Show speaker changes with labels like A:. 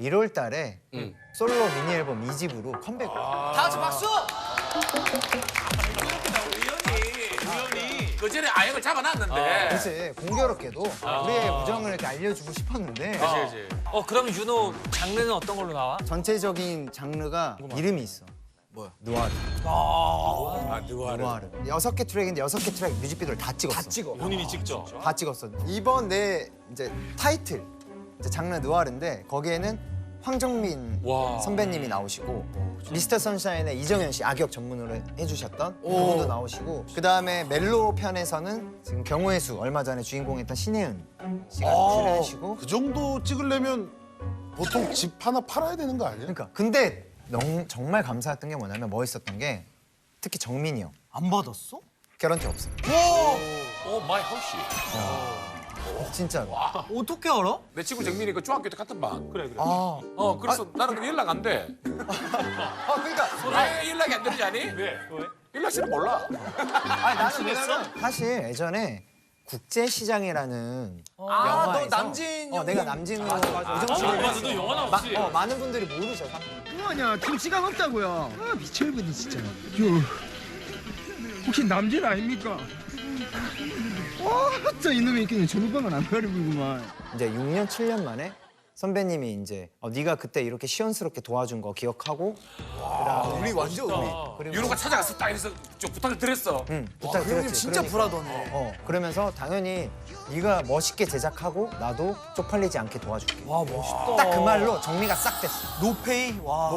A: 1월 달에 솔로 미니 앨범 2집으로 컴백을.
B: 다 같이 박수!
C: 그 전에 아역을 잡아놨는데.
A: 그치, 공교롭게도 우리의 우정을 이렇게 알려주고 싶었는데
B: 그럼 윤호 장르는 어떤 걸로 나와?
A: 전체적인 장르가 이름이 있어.
C: 뭐야?
A: 누아르.
C: 누가
A: 누아르. 6개 트랙인데 6개 트랙 뮤직비디오를 다 찍었어.
B: 본인이 직접.
A: 다 찍었어. 이번 내 이제 타이틀 이제 장르 누아르인데 거기에는 황정민 선배님이 나오시고 미스터 선샤인의 이정현 씨 악역 전문으로 해주셨던 그분도 나오시고 그 다음에 멜로 편에서는 지금 경우의 수 얼마 전에 주인공했던 신혜은 씨가 출연하시고
D: 그 정도 찍으려면 보통 집 하나 팔아야 되는 거 아니야?
A: 그러니까 근데 정말 감사했던 게 뭐냐면 멋있었던 게 특히 정민이 형
B: 안 받았어?
A: 개런티 없어.
C: 오 마이 허쉬.
A: 진짜로.
B: 어떻게 알아?
C: 내 친구 정민이 그 중학교 때 같은 반.
A: 아,
C: 그래서 나는 연락 안 돼.
A: 그러니까
C: 왜 연락이 안 되는지 아니? 왜? 연락처를 몰라.
A: 아니 나는 왜냐면 사실 예전에 국제시장이라는 영화에서
B: 남진
A: 내가 남진으로
B: 맞아, 너 영화 나왔지?
A: 많은 분들이 모르죠.
E: 뭐하냐 지금 시간 없다고요. 아 미쳐버리 진짜. 혹시 남진 아닙니까? 진짜 이놈이 그냥 전우방은 안 가리고구만.
A: 이제 6년 7년 만에 선배님이 이제 네가 그때 이렇게 시원스럽게 도와준 거 기억하고
B: 우리 완전
A: 그리고
C: 윤호가 찾아가서 딱 이래서 좀 부탁을 드렸어.
A: 부탁드렸지.
B: 진짜 불하더네.
A: 그러면서 당연히 네가 멋있게 제작하고 나도 쪽팔리지 않게 도와줄게.
B: 와 멋있다.
A: 딱 그 말로 정리가 싹 됐어.
B: 노페이? 와.